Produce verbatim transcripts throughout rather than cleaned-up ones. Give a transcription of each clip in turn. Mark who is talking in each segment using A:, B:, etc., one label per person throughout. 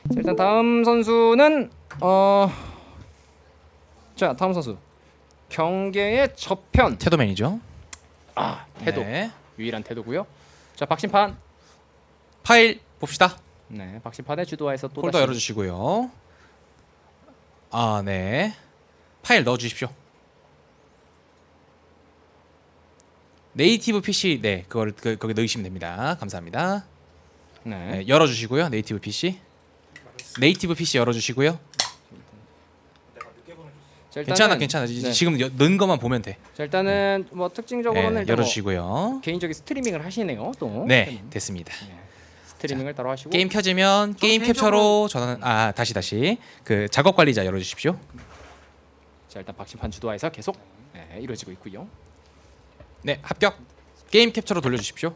A: 자, 일단 다음 선수는 어, 자 다음 선수 경계의 저편.
B: 태도맨이죠.
A: 아 태도
B: 네.
A: 유일한 태도고요. 자 박심판.
B: 파일 봅시다.
A: 네 박심판의 주도하에서 또
B: 폴더
A: 다시
B: 열어주시고요. 아 네. 파일 넣어주십시오. 네이티브 피씨 네 그걸 그, 거기 넣으시면 됩니다. 감사합니다.
A: 네.
B: 네, 열어주시고요. 네이티브 피씨. 네이티브 피씨 열어주시고요.
A: 자, 일단은,
B: 괜찮아 괜찮아.
A: 네.
B: 지금 여, 넣은 것만 보면 돼.
A: 자 일단은 뭐 특징적으로는
B: 네,
A: 일단 뭐
B: 열어주시고요.
A: 개인적인 스트리밍을 하시네요. 또
B: 네 됐습니다.
A: 네. 스트리밍을 따로 하시고
B: 게임 켜지면 게임 캡처로 전환 아 다시 다시 그 작업 관리자 열어주십시오.
A: 자 일단 박심판 주도하에서 계속 네, 이루어지고 있고요.
B: 네 합격. 게임 캡처로 돌려주십시오.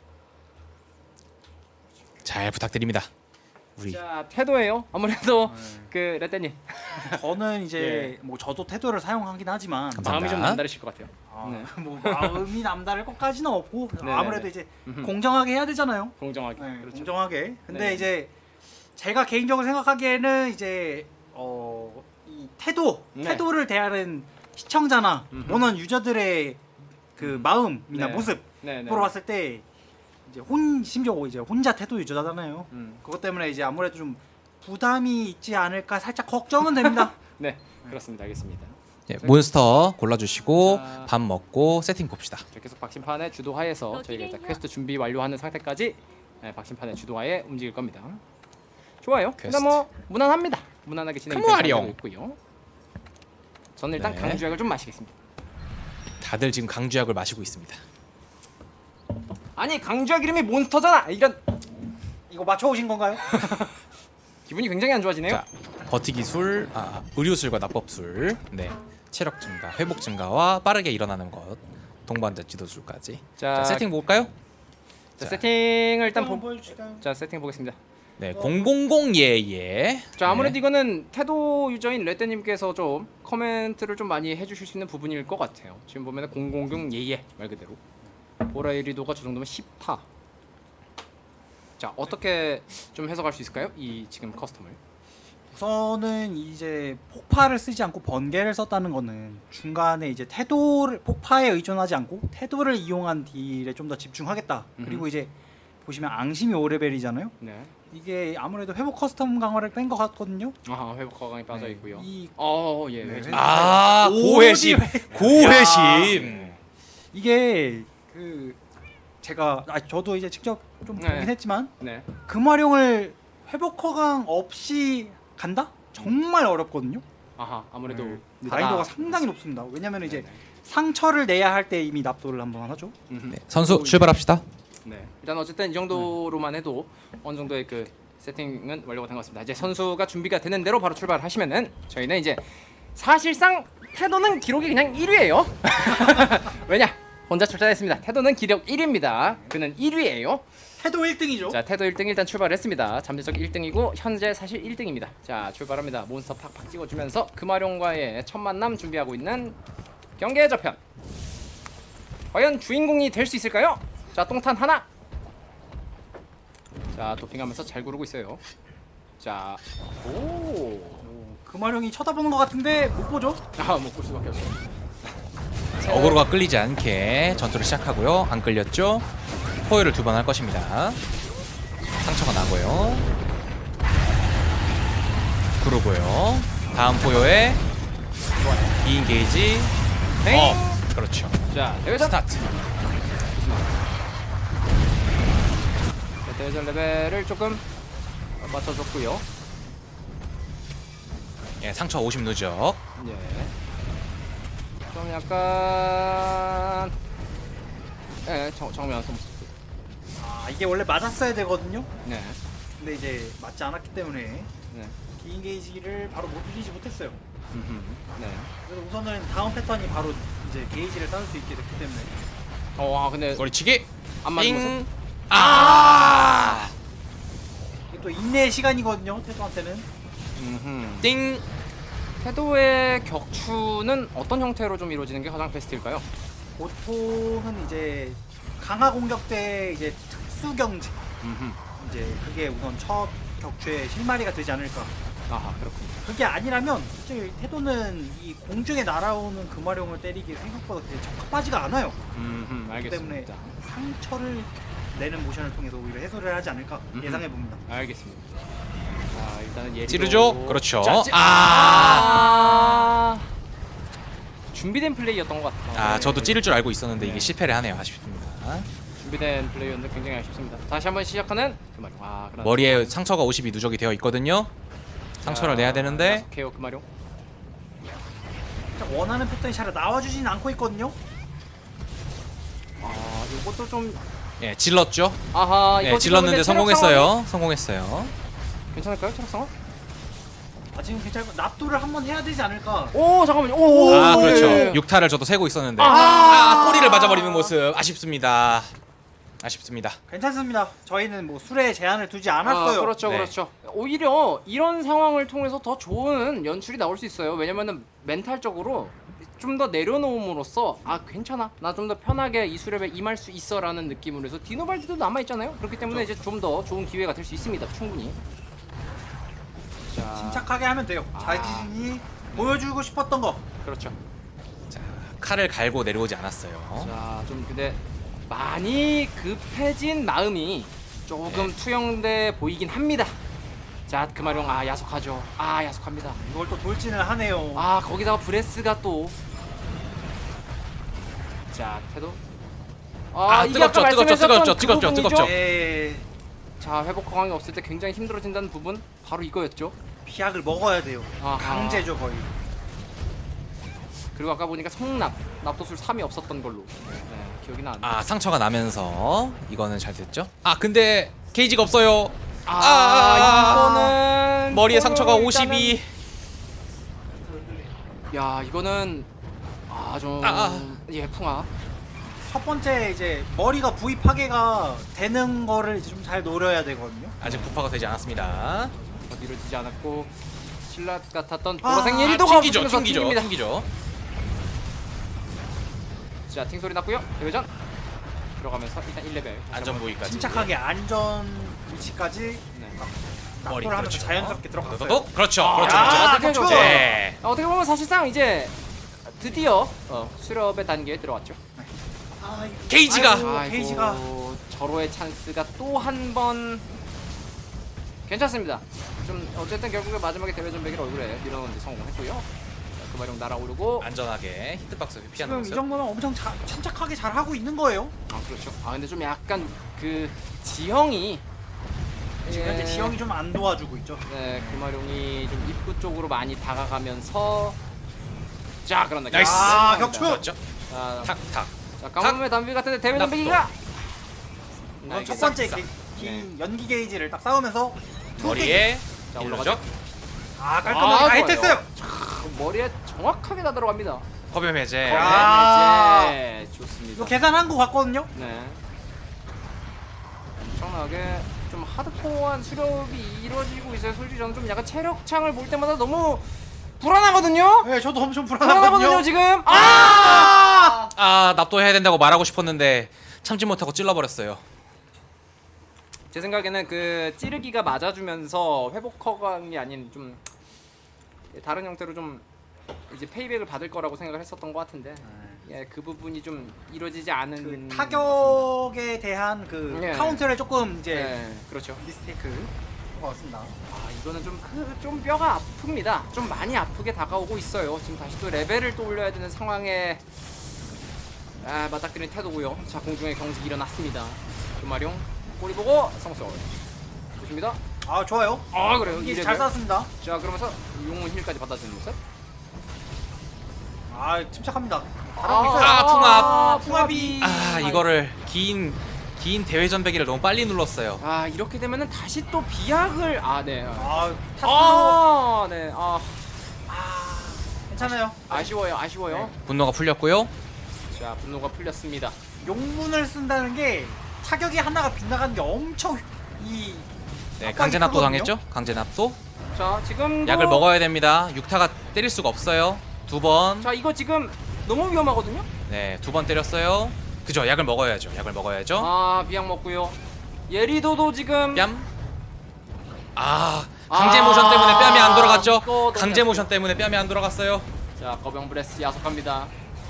B: 잘 부탁드립니다. 우리
A: 자 태도예요. 아무래도
C: 네.
A: 그 레떼님
C: 저는 이제
A: 예.
C: 뭐 저도 태도를 사용하긴 하지만
B: 감사합니다.
A: 마음이 좀 남다르실 것 같아요.
C: 아,
A: 네.
C: 뭐 마음이 남다를 것까지는 없고
A: 네네네.
C: 아무래도 이제
A: 음흠.
C: 공정하게 해야 되잖아요.
A: 공정하게.
C: 네,
A: 그렇죠.
C: 공정하게. 근데
A: 네네.
C: 이제 제가 개인적으로 생각하기에는 이제 어, 이 태도,
A: 네.
C: 태도를 대하는 시청자나
A: 음흠.
C: 원원 유저들의 그 마음이나
A: 네.
C: 모습으로
A: 네, 네.
C: 봤을 때 이제 혼 심지어 이제 혼자 태도 유저잖아요.
A: 음.
C: 그것 때문에 이제 아무래도 좀 부담이 있지 않을까 살짝 걱정은 됩니다.
A: 네 그렇습니다. 알겠습니다.
B: 네, 몬스터 골라주시고
A: 자.
B: 밥 먹고 세팅 봅시다.
A: 자, 계속 박심판의 주도하에서 저희가 일단 퀘스트 준비 완료하는 상태까지 네, 박심판의 주도하에 움직일 겁니다. 좋아요.
B: 퀘스트.
A: 일단 뭐 무난합니다. 무난하게 진행이
B: 컴와룡.
A: 되고 있고요. 저는 일단
B: 네.
A: 강주약을 좀 마시겠습니다.
B: 다들 지금 강주약을 마시고 있습니다.
A: 아니 강주약 이름이 몬스터잖아. 이런
C: 이거 맞춰오신 건가요?
A: 기분이 굉장히 안 좋아지네요.
B: 자 버티기술, 아, 의료술과 납법술, 네 체력 증가, 회복 증가와 빠르게 일어나는 것, 동반자 지도술까지.
A: 자,
B: 자 세팅 볼까요?
A: 자,
B: 자.
A: 세팅을 일단 보,
C: 보여주실까요?
A: 자 세팅 보겠습니다.
B: 네 공공공 예예.
A: 자 아무래도
B: 네.
A: 이거는 태도 유저인 레떼님께서 좀 코멘트를 좀 많이 해주실 수 있는 부분일 것 같아요. 지금 보면은 공공공 예예 말 그대로 보라이리도가 저 정도면 십 파. 자 어떻게 좀 해석할 수 있을까요? 이 지금 커스텀을.
C: 우선은 이제 폭파를 쓰지 않고 번개를 썼다는 거는 중간에 이제 태도를 폭파에 의존하지 않고 태도를 이용한 딜에 좀 더 집중하겠다.
A: 음흠.
C: 그리고 이제 보시면 앙심이 오 레벨이잖아요.
A: 네.
C: 이게 아무래도 회복 커스텀 강화를 뺀 것 같거든요.
A: 아하 회복 과강이 빠져 있고요.
C: 이
A: 어 예.
C: 네.
A: 네.
B: 아 고회심, 고회심.
C: 이게 그 제가 아 저도 이제 직접 좀
A: 네.
C: 보긴 했지만
A: 네.
C: 금화룡을 회복 허강 없이 간다? 정말 어렵거든요.
A: 아하 아무래도
C: 네.
A: 늦다.
C: 난이도가 상당히 높습니다. 왜냐면 이제
A: 네네.
C: 상처를 내야 할 때 이미 납도를 한번 하죠.
A: 음흠.
B: 네, 선수 출발합시다.
A: 네. 일단 어쨌든 이 정도로만 해도 어느 정도의 그 세팅은 완료가 된 것 같습니다. 이제 선수가 준비가 되는 대로 바로 출발하시면은 저희는 이제 사실상 태도는 기록이 그냥 일 위예요. 왜냐? 혼자 출전했습니다. 태도는 기록 일 위입니다. 그는 일 위예요.
C: 태도 일 등이죠.
A: 자, 태도 일 등 일단 출발했습니다. 잠재적 일 등이고 현재 사실 일 등입니다. 자, 출발합니다. 몬스터 팍팍 찍어주면서 금화룡과의 첫 만남 준비하고 있는 경계의 저편. 과연 주인공이 될 수 있을까요? 자, 똥탄 하나. 자, 도핑하면서 잘 구르고 있어요. 자, 오,
C: 오, 금화룡이 쳐다보는 것 같은데 못 보죠?
A: 아, 못볼 수밖에 없어요.
B: 어그로가 끌리지 않게 전투를 시작하고요. 안 끌렸죠? 포효를 두 번 할 것입니다. 상처가 나고요. 그러고요. 다음 포효에 이 게이지.
A: 땡!
B: 어, 그렇죠.
A: 자, 대회전.
B: 스타트.
A: 자, 대회전 레벨을 조금 맞춰줬고요.
B: 예, 상처 오십 누적.
A: 예. 좀 약간 예, 정, 정면 솜.
C: 아 이게 원래 맞았어야 되거든요.
A: 네.
C: 근데 이제 맞지 않았기 때문에
A: 네.
C: 기인 게이지를 바로 못 올리지 못했어요.
A: 음흠. 네.
C: 그래서 우선은 다음 패턴이 바로 이제 게이지를 쌓을 수 있게 됐기 때문에
A: 어, 아, 근데
B: 꼬리치기.
A: 안 맞은
B: 띵.
A: 모습?
B: 아!
C: 이게 또 인내의 시간이거든요. 태도한테는.
A: 음흠.
B: 띵.
A: 태도의 격추는 어떤 형태로 좀 이루어지는 게 가장 베스트일까요?
C: 보통은 이제 강화 공격 때 이제 특수 경지
A: 음흠.
C: 이제 그게 우선 첫 격추의 실마리가 되지 않을까.
A: 아하 그렇군요.
C: 그게 아니라면 솔직히 태도는 이 공중에 날아오는 금화룡을 때리기 생각보다 되게 적합하지가 않아요.
A: 음,
C: 그렇기 때문에
A: 알겠습니다.
C: 상처를 내는 모션을 통해서 오히려 해소를 하지 않을까
A: 음흠.
C: 예상해 봅니다.
A: 알겠습니다. 자 일단은 예리도
B: 찌르죠? 그렇죠.
A: 자, 찌...
B: 아.
A: 아... 준비된 플레이였던 것 같아요.
B: 아 저도 찌를 줄 알고 있었는데
A: 네.
B: 이게 실패를 하네요. 아쉽습니다.
A: 준비된 플레이였는데 굉장히 아쉽습니다. 다시 한번 시작하는 그마룡. 아, 그러나
B: 머리에 상처가 오십이 누적이 되어 있거든요. 상처를 내야 되는데
A: 계속 그마룡.
C: 자, 원하는 패턴이 잘 나와주진 않고 있거든요.
A: 아 이것도 좀
B: 예 질렀죠.
A: 아하 이거
B: 예
A: 지금 근데
B: 질렀는데
A: 체력
B: 성공했어요. 성공했어요.
A: 상황이 괜찮을까요? 체력 상황?
C: 아 지금 괜찮고 납도를 한번 해야 되지 않을까.
A: 오 잠깐만요. 오,
B: 아
A: 예,
B: 그렇죠.
A: 예, 예.
B: 육타를 저도 세고 있었는데
A: 아.
B: 아 꼬리를 맞아버리는 모습 아쉽습니다. 아쉽습니다.
C: 괜찮습니다. 저희는 뭐 술에 제한을 두지 않았어요.
A: 아, 그렇죠,
B: 네.
A: 그렇죠. 오히려 이런 상황을 통해서 더 좋은 연출이 나올 수 있어요. 왜냐면은 멘탈적으로 좀 더 내려놓음으로써 아 괜찮아, 나 좀 더 편하게 이 수렵에 임할 수 있어라는 느낌으로 해서 디노발디도 남아 있잖아요. 그렇기 때문에 이제 좀 더 좋은 기회가 될 수 있습니다. 충분히. 자,
C: 침착하게 하면 돼요.
A: 아.
C: 자신이 보여주고 싶었던 거.
A: 그렇죠.
B: 자 칼을 갈고 내려오지 않았어요.
A: 자, 좀 근데 많이 급해진 마음이 조금
B: 네.
A: 투영돼 보이긴 합니다. 자, 그마룡 아 야속하죠. 아 야속합니다.
C: 이걸 또 돌진을 하네요.
A: 아 거기다가 브레스가 또. 자 태도.
B: 아,
A: 이게
B: 뜨겁죠,
A: 아까
B: 뜨겁죠,
A: 말씀하셨던
B: 뜨겁죠,
A: 그
B: 뜨겁죠,
A: 부분이죠?
B: 뜨겁죠.
C: 네.
A: 자 회복 상황이 없을 때 굉장히 힘들어진다는 부분 바로 이거였죠.
C: 비약을 먹어야 돼요.
A: 아하.
C: 강제죠 거의.
A: 그리고 아까 보니까 성납 납도술 삼이 없었던 걸로 네, 기억이 나는데.
B: 아 상처가 나면서 이거는 잘 됐죠. 아 근데 게이지가 없어요.
A: 아,
B: 아,
A: 이거는
B: 머리에 상처가
A: 일단은-
B: 오십이.
A: 야 이거는 아좀
B: 아.
A: 예 풍아.
C: 첫 번째 이제 머리가 부위 파괴가 되는 거를 좀 잘 노려야 되거든요.
B: 아직 부파가 되지 않았습니다.
A: 더 이루어지지 않았고 신라 같았던
C: 아,
A: 보라색
B: 아,
A: 예리도가
B: 튕기죠,
A: 붙으면서
B: 튕기죠,
A: 튕깁니다.
B: 튕기죠.
A: 자, 팅 소리 났고요. 대회전 들어가면서 일단 일 레벨
B: 안전 부위까지.
C: 침착하게 안전 위치까지
A: 네.
B: 머리
C: 납도를 하면서
B: 그렇죠.
C: 자연스럽게 들어갔어요.
B: 도도독 그렇죠,
A: 아,
B: 그렇죠,
A: 야,
B: 그렇죠.
A: 그렇죠.
C: 그렇죠.
B: 네.
A: 아, 어떻게 보면 사실상 이제 드디어 어, 수렵의 단계에 들어왔죠.
C: 아, 이거-
B: 게이지가.
C: 아이고, 게이지가
A: 절호의 찬스가 또 한 번 괜찮습니다. 좀 어쨌든 결국에 마지막에 대회 전백일 얼굴에 밀어넣는 데 성공했고요. 자, 그마룡 날아오르고
B: 안전하게 히트박스 피하는
C: 지금 이
B: 모습.
C: 정도면 엄청 자, 침착하게 잘 하고 있는 거예요.
A: 아 그렇죠. 아 근데 좀 약간 그 지형이
C: 지금 현재
A: 예,
C: 지형이 좀 안 도와주고 있죠.
A: 네, 금화룡이 좀 입구 쪽으로 많이 다가가면서 자 그런다.
B: 나이스.
C: 아, 격추!
B: 그렇죠.
A: 자,
B: 탁탁.
A: 자 까만의 담비 같은데 대회
B: 납도.
A: 전백이가
C: 이건 첫 번째 게, 긴 연기 게이지를 딱 싸우면서 두 개.
B: 머리에
A: 자,
B: 일루죠.
A: 올라가죠.
C: 아 깔끔하게
A: 아,
C: 다
A: 좋아요.
C: 히트했어요.
A: 참, 머리에 정확하게 다 들어갑니다.
B: 허변 해제.
C: 야.
A: 네, 좋습니다.
C: 이거 계산한 거 같거든요.
A: 네. 엄청나게 좀 하드코어한 수렵이 이루어지고 있어요. 솔직히 저는 좀 약간 체력창을 볼 때마다 너무 불안하거든요.
C: 네, 저도 엄청
A: 불안하거든요
C: 불안하거든요.
A: 지금. 아!
B: 아 납도해야 된다고 말하고 싶었는데 참지 못하고 찔러버렸어요.
A: 제 생각에는 그 찌르기가 맞아주면서 회복 허강이 아닌 좀 다른 형태로 좀 이제 페이백을 받을 거라고 생각을 했었던 것 같은데 예, 그 부분이 좀 이루어지지 않은
C: 그
A: 것
C: 타격에 대한 그
A: 네.
C: 카운터를 조금
A: 같습니다.
C: 이제
A: 네, 그렇죠.
C: 미스테이크 것 같습니다.
A: 아 이거는 좀, 그, 좀 뼈가 아픕니다. 좀 많이 아프게 다가오고 있어요. 지금 다시 또 레벨을 또 올려야 되는 상황에 아 맞닥뜨리는 태도고요. 자 공중에 경직이 일어났습니다. 금마룡 꼬리 보고 성소 보십니다.
C: 아 좋아요.
A: 아 그래요.
C: 이게
A: 이
C: 잘
A: 레벨.
C: 쐈습니다.
A: 자 그러면서 용문 힐까지 받아주는 모습.
C: 아 침착합니다.
A: 아,
C: 잘하고 있어요.
B: 아, 풍압.
C: 풍압이
B: 아 이거를 긴 긴 대회 전배기를 너무 빨리 눌렀어요.
A: 아 이렇게 되면은 다시 또 비약을 아네
C: 아 탑으로
A: 아, 네. 아,
C: 아 괜찮아요.
A: 아쉬워요. 아쉬워요.
C: 네.
B: 분노가 풀렸고요.
A: 자, 분노가 풀렸습니다.
C: 용문을 쓴다는 게 타격이 하나가 빗나가는 게 엄청 이
B: 네
C: 압박이
B: 강제 납도
C: 크거든요?
B: 당했죠. 강제 납도.
A: 자, 지금
B: 약을 먹어야 됩니다. 육타가 때릴 수가 없어요. 두 번.
A: 자, 이거 지금 너무 위험하거든요.
B: 네, 두 번 때렸어요. 그죠? 약을 먹어야죠. 약을 먹어야죠.
A: 아, 비약 먹고요. 예리도도 지금
B: 뺨. 아 강제 모션 때문에 뺨이 안 돌아갔죠.
A: 이거 너무
B: 강제
A: 약해요.
B: 모션 때문에 뺨이 안 돌아갔어요.
A: 자 거병 브레스 야속합니다.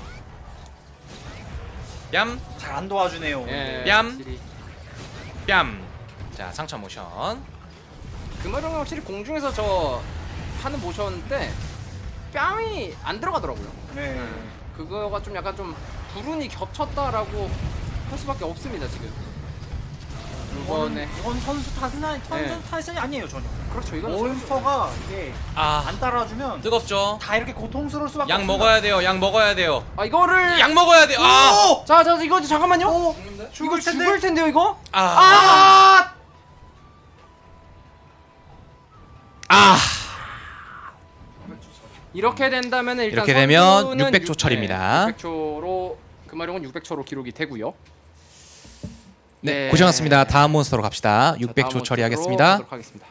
B: 뺨
C: 잘 안 도와주네요.
A: 예,
B: 뺨.
A: 확실히.
B: 뺨. 자 상처 모션.
A: 금화룡은 확실히 공중에서 저 하는 모션 때 뺨이 안 들어가더라고요.
C: 네.
A: 그거가 좀 약간 좀 불운이 겹쳤다라고 할 수밖에 없습니다 지금. 이번에
C: 이건, 이건 선수 탓은 아니, 선수
A: 네.
C: 탓이 아니에요 전혀.
A: 그렇죠 이건
C: 몬스터가 이게
B: 아
C: 안 따라주면
B: 뜨겁죠.
C: 다 이렇게 고통스러울 수밖에
B: 약
C: 없습니다.
B: 먹어야 돼요. 약 먹어야 돼요.
A: 아 이거를
B: 약 먹어야 돼요. 아.
C: 오!
A: 자, 자 이거 잠깐만요.
C: 오!
A: 이거
C: 죽을 텐데.
A: 죽을 텐데요 이거.
B: 아.
A: 아!
B: 아.
A: 이렇게 된다면 일단
B: 이렇게 되면
A: 선수는
B: 육백 초 처리입니다.
A: 육백 초로 금화룡은 육백 초로 기록이 되고요.
B: 네,
A: 네.
B: 고생하셨습니다. 다음 몬스터로 갑시다.
A: 자,
B: 육백 초
A: 다음
B: 처리하겠습니다.
A: 모습으로 가도록 하겠습니다.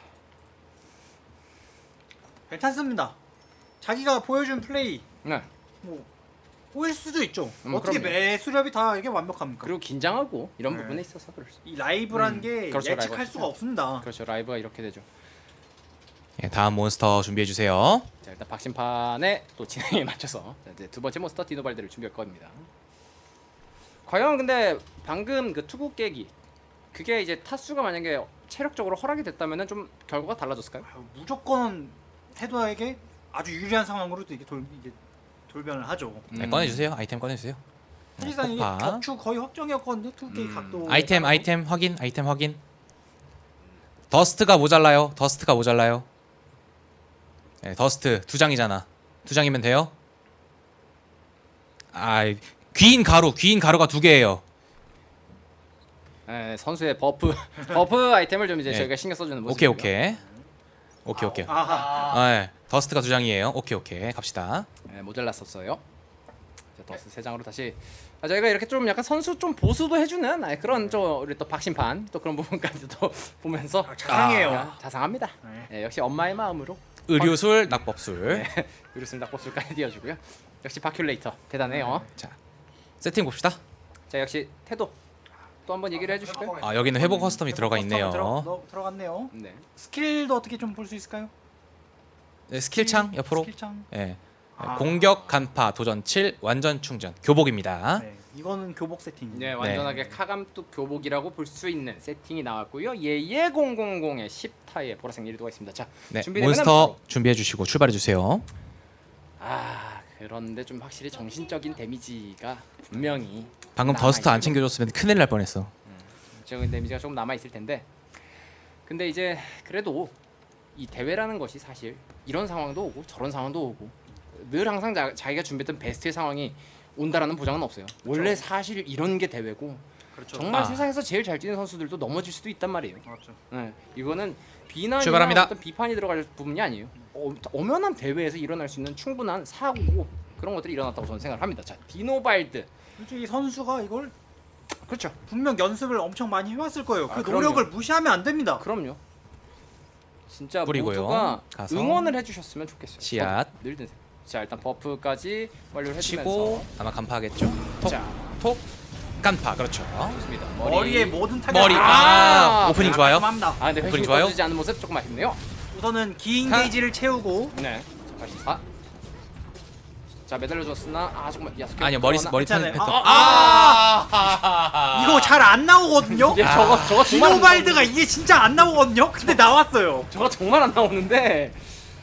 C: 괜찮습니다. 자기가 보여준 플레이
A: 네.
C: 뭐 꼬일 수도 있죠.
A: 음,
C: 어떻게
A: 그럼요.
C: 매수렵이 다 이게 완벽합니까?
A: 그리고 긴장하고 이런
C: 네.
A: 부분에 있어서 그럴 수.
C: 이 라이브란
A: 음,
C: 게
A: 그렇죠,
C: 예측할
A: 라이브가
C: 수가 없습니다.
A: 그렇죠 라이브가 이렇게 되죠.
B: 예, 다음 몬스터 준비해 주세요.
A: 자 일단 박심판의 또 진행에 맞춰서 자, 이제 두 번째 몬스터 디노발드를 준비할 겁니다. 과연 근데 방금 그 투구 깨기 그게 이제 타수가 만약에 체력적으로 허락이 됐다면은 좀 결과가 달라졌을까요?
C: 아유, 무조건 테도에게 아주 유리한 상황으로도 이게 돌 이게 돌변을 하죠.
B: 네,
A: 음.
B: 꺼내주세요. 아이템 꺼내주세요.
C: 사실상 이게
B: 폭파.
C: 격추 거의 확정이었거든요. 투게이
A: 음.
C: 각도.
B: 아이템 아이템 확인 아이템 확인. 더스트가 모자라요. 더스트가 모자라요. 네, 더스트 두 장이잖아. 두 장이면 돼요. 아, 귀인 가루 귀인 가루가 두 개예요.
A: 네, 선수의 버프 버프 아이템을 좀 이제
B: 네.
A: 저희가 신경 써주는
B: 오케이
A: 모습이고요.
B: 오케이 오케이 오케이.
C: 아하.
B: 아, 네. 더스트가 두 장이에요. 오케이 오케이 갑시다.
A: 네, 모자랐었어요. 자, 더스 세 장으로 다시 아, 저희가 이렇게 좀 약간 선수 좀 보수도 해주는 아, 그런 좀 우리 또 박심판 또 그런 부분까지도 보면서
C: 아, 자상해요.
A: 아, 자상합니다.
C: 네.
A: 네, 역시 엄마의 마음으로
B: 의료술 낙법술.
A: 네. 의료술 낙법술까지 띄워주고요. 역시 바큘레이터 대단해요.
B: 자 세팅 봅시다.
A: 자 역시 태도 또 한번 얘기를 해주실까요?
B: 아 여기는 회복 커스텀이 들어가 있네요.
C: 들어, 너, 들어갔네요.
A: 네.
C: 스킬도 어떻게 좀 볼 수 있을까요?
B: 네, 스킬창 옆으로.
C: 스킬창.
B: 예.
C: 아.
B: 공격 간파 도전 칠 완전 충전 교복입니다.
C: 네. 이거는 교복 세팅.
A: 네, 완전하게 카감뚝 교복이라고 볼 수 있는 세팅이 나왔고요. 예예 공공공의 십 타의 보라색 일도가 있습니다. 자,
B: 네,
A: 준비되면
B: 몬스터 준비해 주시고 출발해 주세요.
A: 아 그런데 좀 확실히 정신적인 데미지가 분명히
B: 방금
A: 남아
B: 더스트 안
A: 있는
B: 챙겨줬으면 큰일 날 뻔했어.
A: 정신 데미지가 조금 남아 있을 텐데. 근데 이제 그래도 이 대회라는 것이 사실 이런 상황도 오고 저런 상황도 오고 늘 항상 자, 자기가 준비했던 베스트의 상황이 온다라는 보장은 없어요. 원래 사실 이런 게 대회고
C: 그렇죠.
A: 정말
B: 아.
A: 세상에서 제일 잘 뛰는 선수들도 넘어질 수도 있단 말이에요.
C: 맞죠.
A: 네, 이거는 비난이나
B: 출발합니다.
A: 어떤 비판이 들어갈 부분이 아니에요. 어, 엄연한 대회에서 일어날 수 있는 충분한 사고고 그런 것들이 일어났다고 저는 생각을 합니다. 자, 디노발드.
C: 솔직히 선수가 이걸
A: 그렇죠.
C: 분명 연습을 엄청 많이 해왔을 거예요. 그
A: 아, 그럼요.
C: 노력을 무시하면 안 됩니다.
A: 그럼요. 진짜
B: 뿌리고요.
A: 모두가
B: 가서.
A: 응원을 해주셨으면 좋겠어요.
B: 씨앗.
A: 어, 늘 드세요. 자, 일단 버프까지 완료를 해주면서
B: 치고 아마 간파하겠죠. 톡,
A: 자,
B: 톡, 간파 그렇죠.
A: 좋습니다.
C: 머리에 모든 타격.
B: 머리. 아, 오프닝 좋아요.
C: 합니다.
A: 아, 근데
B: 오프닝
A: 회심이
B: 좋아요?
A: 꺼지지 않는 모습 조금 아쉽네요.
C: 우선은 긴
B: 하.
C: 게이지를 채우고
A: 네. 자, 팔십사. 자, 매달려줬으나 아 조금만 야속해.
B: 아니요 머리 머리 턴
C: 괜찮아요.
B: 패턴.
C: 아,
B: 아,
C: 이거 잘 안 나오거든요.
A: 예, 저거 저거 정말 안
C: 디노발드가
A: 나오는데.
C: 이게 진짜 안 나오거든요. 근데 나왔어요.
A: 저거 정말 안 나오는데.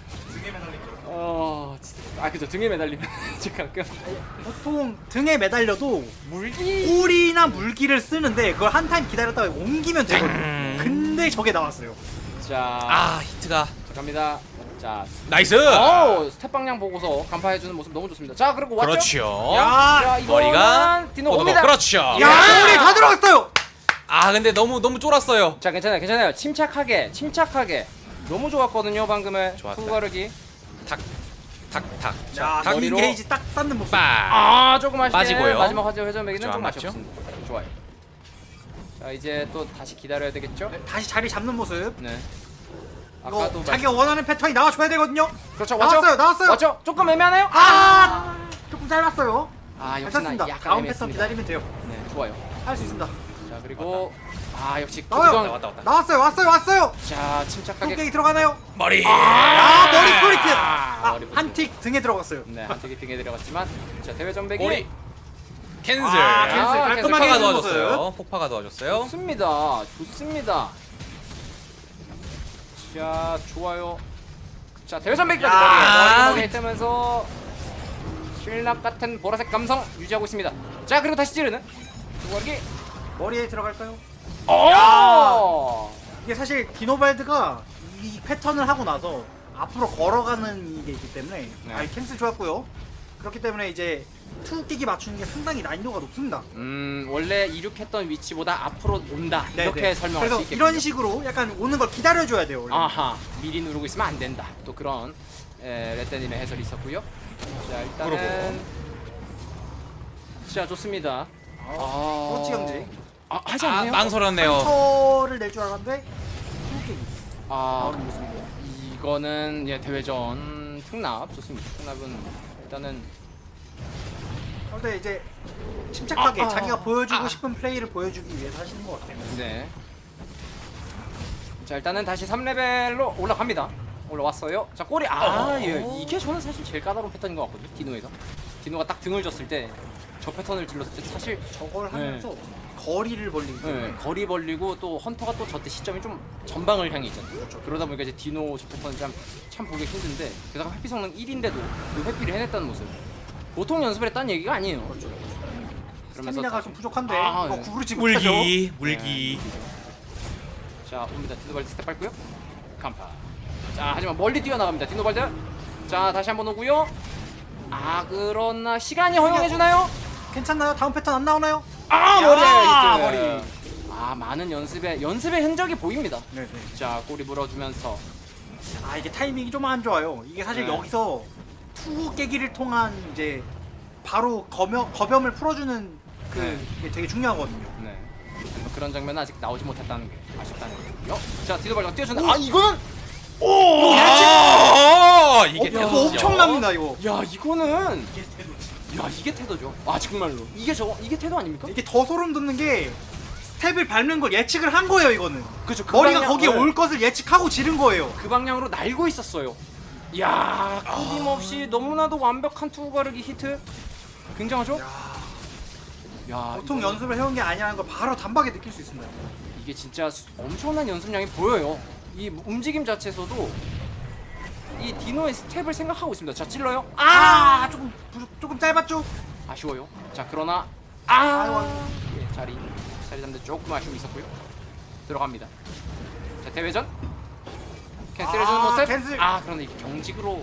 A: 어, 진짜. 아 그죠 등에 매달리면 지금 가끔
C: 보통 등에 매달려도
A: 물기.
C: 꿀이나 물기를 쓰는데 그걸 한 타임 기다렸다가 옮기면 되거든요.
B: 음.
C: 근데 저게 나왔어요.
A: 자,
B: 아 히트가
A: 자 갑니다. 자,
B: 나이스.
A: 오 스텝 방향 보고서 간파해주는 모습 너무 좋습니다. 자 그리고 왔죠?
B: 그렇죠.
C: 야,
A: 자, 이거는
B: 머리가
A: 디노
B: 오도독.
A: 옵니다.
B: 그렇죠.
C: 야, 우리 다 들어갔어요.
B: 아 근데 너무 너무 쫄았어요.
A: 자 괜찮아요, 괜찮아요. 침착하게, 침착하게. 너무 좋았거든요 방금의
B: 좋았다.
A: 후가르기.
B: 탁탁탁.
C: 자, 긴
A: 머리로.
C: 게이지 딱 쌓는 모습.
B: 빠.
A: 아 조금 아쉽게
B: 빠지고요.
A: 마지막 화제 회전매기는
B: 그쵸,
A: 좀
B: 안 맞죠?
A: 아쉽습니다. 좋아요. 자 이제 또 다시 기다려야 되겠죠?
C: 다시 자리 잡는 모습.
A: 네.
C: 이거
A: 아까도
C: 자기가 원하는 패턴이 나와줘야 되거든요.
A: 그렇죠. 왔죠?
C: 나왔어요, 나왔어요.
A: 왔죠? 조금 애매하네요.
C: 아, 조금 짧았어요.
A: 아 역시나
C: 괜찮습니다.
A: 약간
C: 다음 패턴
A: 애매했습니다.
C: 기다리면 돼요.
A: 네, 좋아요.
C: 할 수 있습니다.
A: 자 그리고 아 역시
C: 나와요.
A: 구경.
B: 왔다 왔다.
C: 나왔어요 왔어요 왔어요.
A: 자 침착하게.
C: 뚝배기 들어가나요?
B: 머리.
C: 아 머리 소리트.
A: 아, 머리
C: 아한틱 등에 들어갔어요.
A: 네, 한쪽이 등에 들어갔지만 자 대회 전백이
B: 머리. 캔슬.
C: 아, 캔슬.
A: 아,
C: 깔끔하게
B: 폭파가
C: 해주는
B: 도와줬어요.
C: 모습.
B: 폭파가 도와줬어요.
A: 좋습니다. 좋습니다. 자 좋아요. 자 대회 전백까지
C: 야.
A: 머리에 머리에 뜨면서 신락 같은 보라색 감성 유지하고 있습니다. 자 그리고 다시 찌르는 두각이.
C: 머리에 들어갈까요?
A: 오!
C: 이게 사실 디노발드가 이 패턴을 하고 나서 앞으로 걸어가는 이게 있기 때문에
A: 네.
C: 아 캔슬 좋았고요. 그렇기 때문에 이제 투 끼기 맞추는 게 상당히 난이도가 높습니다.
A: 음 원래 이륙했던 위치보다 앞으로 온다
C: 네,
A: 이렇게
C: 네.
A: 설명할 수
C: 그래서
A: 있겠군요.
C: 이런 식으로 약간 오는 걸 기다려줘야 돼요. 원래.
A: 아하 미리 누르고 있으면 안 된다. 또 그런 에, 레떼님의 해설이 있었고요. 자 일단은 자 좋습니다. 아
C: 그렇지 경지.
A: 아 하지
B: 아,
A: 않네요.
B: 망설였네요.
C: 상처를 낼 줄 알았는데 투 끼기.
A: 아
C: 나오는 모습이고.
A: 이거는 예 대회전 특납 좋습니다. 특납은 일단은
C: 근데 이제 침착하게
A: 아, 아,
C: 자기가 보여주고
A: 아.
C: 싶은 플레이를 보여주기 위해서 하시는 것 같아요.
A: 네. 자 일단은 다시 삼 레벨로 올라갑니다. 올라왔어요. 자 꼬리 아
B: 어.
A: 예, 이게 저는 사실 제일 까다로운 패턴인 것 같거든요. 디노에서 디노가 딱 등을 줬을 때 저 패턴을 질렀을 때 사실
C: 저걸
A: 네.
C: 하면서 거리를 벌리기 때문에
A: 네, 거리 벌리고 또 헌터가 또 저때 시점이 좀 전방을 향해 있잖아요.
C: 그렇죠.
A: 그러다 보니까 이제 디노 저 패턴이 참, 참 보기 힘든데 게다가 회피 성능 일인데도 그 회피를 해냈다는 모습 보통 연습을 했다는 얘기가 아니에요.
C: 그렇죠.
A: 그러면서
C: 스태미나가
A: 다시-
C: 좀 부족한데
A: 아,
C: 이거
A: 네.
C: 구부르지 못하죠.
B: 물기. 물기.
A: 자 옵니다. 디노발드 스텝 밟고요. 간파. 자 하지만 멀리 뛰어나갑니다. 디노발드. 자 다시 한번 오고요. 아 그러나 시간이 허용해주나요?
C: 괜찮나요? 다음 패턴 안 나오나요?
A: 아
C: 야,
A: 머리에
C: 머리.
A: 아 많은 연습의 연습의 흔적이 보입니다.
C: 네, 네.
A: 자 꼬리 물어주면서
C: 아 이게 타이밍이 좀 안 좋아요. 이게 사실
A: 네.
C: 여기서 투 깨기를 통한 이제 바로 거명, 거점을 풀어주는 그
A: 네.
C: 게 되게 중요하거든요.
A: 네 뭐 그런 장면은 아직 나오지 못했다는 게 아쉽다는 거고요. 자 디노발드가 뛰어준다. 아 이거는
B: 오. 아, 이게
C: 어, 이거
B: 태도죠.
C: 엄청납니다 이거.
A: 야 이거는 야 이게 태도죠. 아 정말로 이게 저 이게 태도 아닙니까?
C: 이게 더 소름 돋는 게 스텝을 밟는 걸 예측을 한 거예요 이거는.
A: 그죠. 그
C: 머리가
A: 방향-
C: 거기에
A: 네.
C: 올 것을 예측하고 지른 거예요.
A: 그 방향으로 날고 있었어요. 이야 끊임없이 너무나도 완벽한 투구 가르기 히트 굉장하죠? 야
C: 보통
A: 이거-
C: 연습을 해온 게 아니라는 걸 바로 단박에 느낄 수 있습니다.
A: 이게 진짜 수- 엄청난 연습량이 보여요. 이 움직임 자체에서도 이 디노의 스텝을 생각하고 있습니다. 자 찔러요.
C: 아 조금 부- 조금 짧았죠?
A: 아쉬워요. 자 그러나 아
C: 아이고.
A: 예, 자리 자리 잡는데 조금 아쉬움이 있었고요. 들어갑니다. 자 대회전 캔슬해주는
C: 아,
A: 모습.
C: 캔슬.
A: 아 그런데 이게 경직으로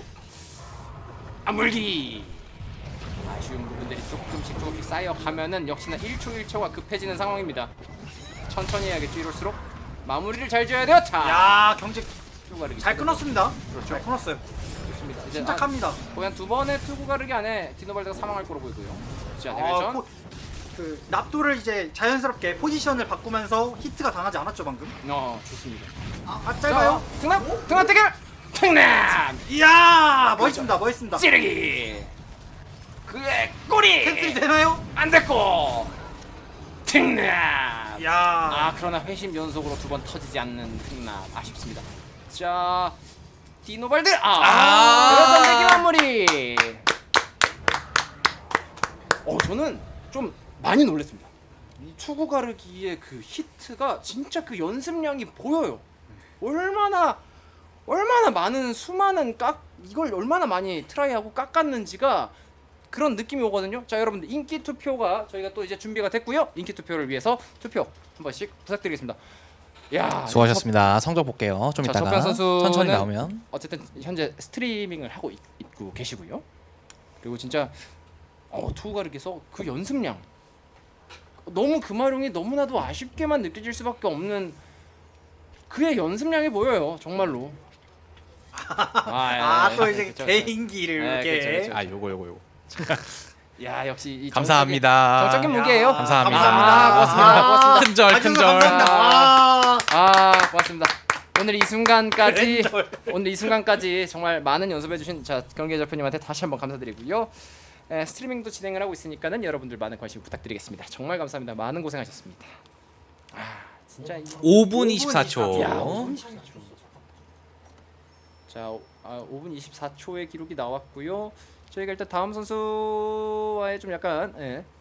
A: 아 물기. 아쉬운 부분들이 조금씩 조금씩 쌓여가면은 역시나 일 초 일 초가 급해지는 상황입니다. 천천히 해야겠죠 이럴수록. 마무리를 잘 지어야 돼요. 자
C: 야 경직
A: 투구 가르기
C: 잘 끊었습니다.
A: 그렇죠.
C: 잘 끊었어요.
A: 좋습니다. 이제
C: 침착합니다.
A: 아, 거의 한 두 번의 투구 가르기 안에 디노발드가 사망할 거로 보이고요. 자
C: 아,
A: 대회전.
C: 포- 그 납도를 이제 자연스럽게 포지션을 바꾸면서 히트가 당하지 않았죠 방금?
A: 어 좋습니다.
C: 아, 아 짧아요?
A: 자, 등납 등납 대결. 등납
C: 이야 멋있습니다 멋있습니다.
A: 찌르기. 그의 꼬리.
C: 캔슬이 되나요?
A: 안 됐고. 등납.
C: 이야
A: 아 그러나 회심 연속으로 두 번 터지지 않는 등납 아쉽습니다. 자 디노발드 아,
B: 아.
A: 대회전 대기 마무리. 어 저는 좀 많이 놀랐습니다. 이 투구 가르기의 그 히트가 진짜 그 연습량이 보여요. 얼마나 얼마나 많은 수많은 깎 이걸 얼마나 많이 트라이하고 깎았는지가 그런 느낌이 오거든요. 자 여러분들 인기 투표가 저희가 또 이제 준비가 됐고요. 인기 투표를 위해서 투표 한 번씩 부탁드리겠습니다. 야
B: 수고하셨습니다. 성적 볼게요. 좀
A: 자,
B: 이따가
A: 석변 선수는
B: 천천히 나오면.
A: 어쨌든 현재 스트리밍을 하고 있, 있고 계시고요. 그리고 진짜 어, 투구 가르기에서 그 연습량 너무 금화룡이 너무나도 아쉽게만 느껴질 수밖에 없는 그의 연습량이 보여요. 정말로. 아,
C: 아 또
A: 예,
C: 이제
A: 그쵸, 그쵸.
C: 개인기를
A: 네,
C: 이렇게
A: 그쵸, 그쵸.
B: 아, 요거 요거 요거.
A: 야 역시 이
B: 감사합니다.
A: 정적인 무게예요.
B: 감사합니다.
A: 아, 고맙습니다. 고맙습니다.
B: 큰절
C: 아주
B: 큰절.
C: 감사합니다. 아,
A: 아 고맙습니다. 오늘 이 순간까지
C: 왼절.
A: 오늘 이 순간까지 정말 많은 연습해주신 자 경기 대표님한테 다시 한번 감사드리고요. 에, 스트리밍도 진행을 하고 있으니까는 여러분들 많은 관심 부탁드리겠습니다. 정말 감사합니다. 많은 고생하셨습니다. 진짜 이-
B: 오 분 이십사 초.
A: 야, 오 분 이십사 초. 자, 오- 아, 오 분 이십사 초의 기록이 나왔고요. 저희가 일단 다음 선수와의 좀 약간 예,